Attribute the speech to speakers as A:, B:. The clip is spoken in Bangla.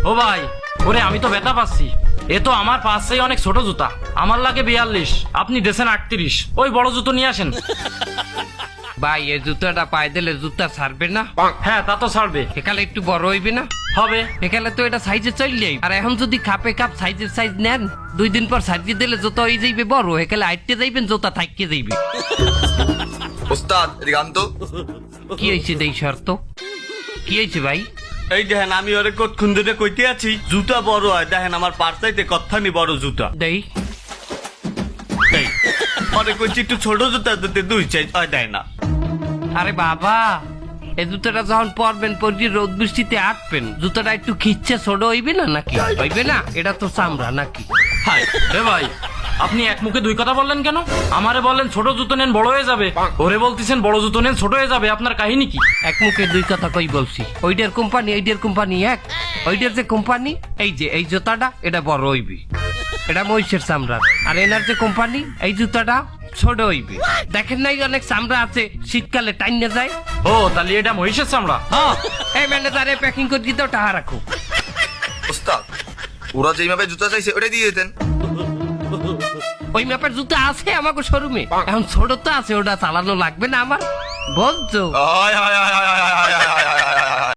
A: ও ভাই, ওরে আমি তো ব্যথা পাচ্ছি। এ তো আমার পাশেই অনেক ছোট জুতা, আমার লাগে 42, আপনি দেশেন 38। ওই বড় জুতো নিয়ে আসেন।
B: ভাই এই জুতাটা পায়ে দিলে জুতা ছাড়বে না?
A: হ্যাঁ তা তো ছাড়বে।
B: এখানে একটু বড় হইবে না?
A: হবে।
B: এখানে তো এটা সাইজে চললেই, আর এখন যদি খাপে খাপ সাইজের সাইজ নেন, 2 দিন পর সাইজে দিলে জুতা হয়ে যাইবে বড়, এখানে আইটতে যাইবেন জুতা থাকতে যাইবে।
C: ওস্তাদ এদিকে আন তো।
B: কি হয়েছে দেই শর্ত? কি হয়েছে ভাই?
D: এই দেখেন আমি ওরে কতক্ষণ ধরে কইতে আছি জুতা বড় হয়, দেখেন আমার পার্সাইতে কতখানি বড় জুতা।
B: দেই
D: এই ওরে কইছি একটু ছোট জুতা দিতে 2 সাইজ হয়, দেয় না।
B: আরে বাবা, এই জুতাটা যখন পরবেন পরবি রোদ বৃষ্টিতে আটবেন, জুতাটা একটু খিচ্ছে ছোট হইবে না নাকি? হইবে না? এটা তো চামড়া নাকি?
A: হাই রে ভাই, আপনি এক মুখে 2 কথা বললেন কেন? আমারে বললেন ছোট জুতো নেন বড় হয়ে যাবে, ওরে বলতেছেন বড় জুতো নেন ছোট হয়ে যাবে। আপনার কাহিনী কি?
B: এক মুখে 2 কথা কই বলছি? ওইটার কোম্পানি এইটার কোম্পানি এক। ওইটার যে কোম্পানি, এই যে এই জুতাটা এটা বড় হইবে, এটা মহিষের চামড়ার। আর এনার যে কোম্পানি, এই জুতাটা ছোট হইবে। দেখেন নাই অনেক চামড়া আছে শীতকালে টাইনে যায়।
A: ও তাহলে এটা মহিষের চামড়া।
B: হ্যাঁ, এই ম্যানেজারে প্যাকিং করে দিতে টাকা রাখো।
C: ওস্তাদ ওরা যেই মাপে জুতা চাইছে ওটাই দিয়ে দিতেন।
B: ওই ম্যাপের জুতা আছে আমাকে শোরুমে, এখন ছোট তো আছে, ওটা চালানো লাগবে না আমার, বলছো?
C: আয় আয় আয় আয় আয় আয় আয় আয় আয়